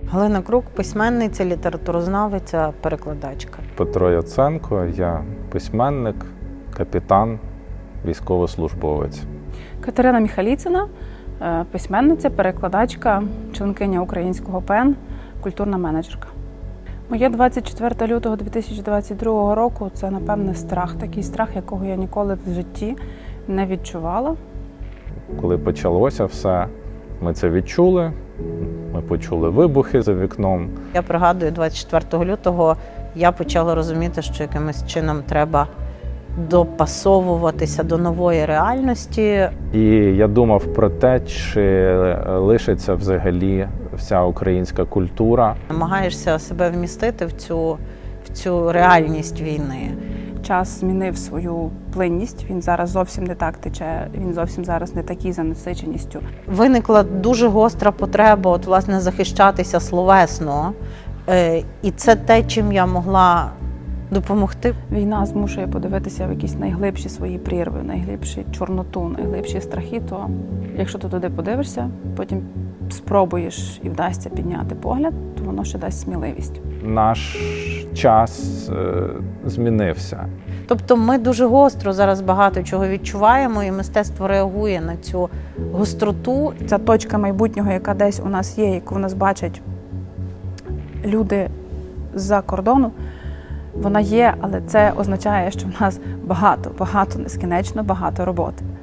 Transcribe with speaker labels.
Speaker 1: Галина Крук – письменниця, літературознавиця, перекладачка.
Speaker 2: Петро Яценко, я письменник, капітан, військовослужбовець.
Speaker 3: Катерина Міхаліцина, письменниця, перекладачка, членкиня Українського ПЕН, культурна менеджерка. Моє 24 лютого 2022 року – це, напевне, страх. Такий страх, якого я ніколи в житті не відчувала.
Speaker 2: Коли почалося все, ми це відчули, ми почули вибухи за вікном.
Speaker 1: Я пригадую, 24 лютого я почала розуміти, що якимось чином треба допасовуватися до нової реальності.
Speaker 2: І я думав про те, чи лишиться взагалі вся українська культура.
Speaker 1: Намагаєшся себе вмістити в цю реальність війни.
Speaker 3: Час змінив свою плинність, він зараз зовсім не так тече, він зовсім зараз не такий за насиченістю.
Speaker 1: Виникла дуже гостра потреба власне, захищатися словесно. І це те, чим я могла допомогти.
Speaker 3: Війна змушує подивитися в якісь найглибші свої прірви, найглибші чорноту, найглибші страхи, то якщо ти туди подивишся, потім спробуєш і вдасться підняти погляд, то воно ще дасть сміливість.
Speaker 2: Наш час змінився.
Speaker 1: Тобто ми дуже гостро зараз багато чого відчуваємо, і мистецтво реагує на цю гостроту.
Speaker 3: Ця точка майбутнього, яка десь у нас є, яку в нас бачать люди з-за кордону, вона є, але це означає, що в нас багато, нескінченно багато роботи.